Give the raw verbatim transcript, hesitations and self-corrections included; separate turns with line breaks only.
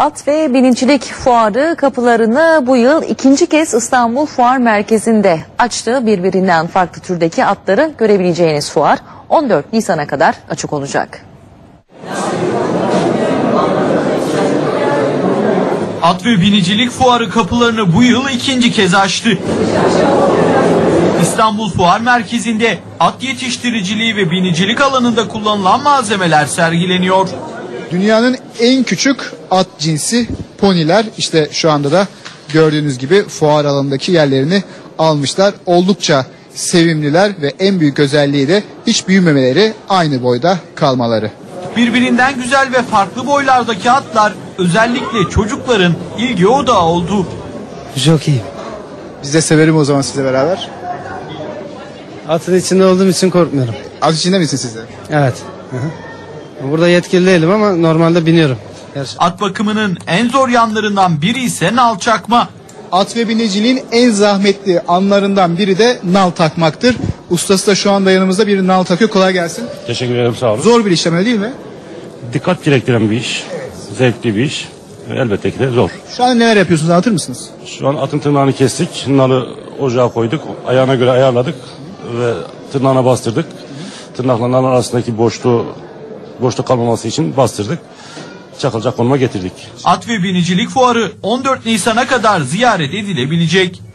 At ve binicilik fuarı kapılarını bu yıl ikinci kez İstanbul Fuar Merkezi'nde açtı. Birbirinden farklı türdeki atları görebileceğiniz fuar on dört Nisan'a kadar açık olacak.
At ve binicilik fuarı kapılarını bu yıl ikinci kez açtı. İstanbul Fuar Merkezi'nde at yetiştiriciliği ve binicilik alanında kullanılan malzemeler sergileniyor.
Dünyanın en küçük at cinsi poniler işte şu anda da gördüğünüz gibi fuar alanındaki yerlerini almışlar. Oldukça sevimliler ve en büyük özelliği de hiç büyümemeleri, aynı boyda kalmaları.
Birbirinden güzel ve farklı boylardaki atlar özellikle çocukların ilgi odağı oldu.
Çok iyi.
Biz de severim o zaman sizle beraber.
Atın içinde olduğum için korkmuyorum.
At içinde misin siz de?
Evet. Hı hı. Burada yetkili değilim ama normalde biniyorum. Her...
At bakımının en zor yanlarından biri ise nal çakma.
At ve biniciliğin en zahmetli anlarından biri de nal takmaktır. Ustası da şu anda yanımızda bir nal takıyor. Kolay gelsin.
Teşekkür ederim, sağ olun.
Zor bir işlem öyle değil mi?
Dikkat gerektiren bir iş. Zevkli bir iş. Elbette ki de zor.
Şu an neler yapıyorsunuz, anlatır mısınız?
Şu an atın tırnağını kestik. Nalı ocağa koyduk. Ayağına göre ayarladık. Ve tırnağına bastırdık. Tırnakla nal arasındaki boşluğu boşluk kalmaması için bastırdık. Çakılacak konuma getirdik.
At ve binicilik fuarı on dört Nisan'a kadar ziyaret edilebilecek.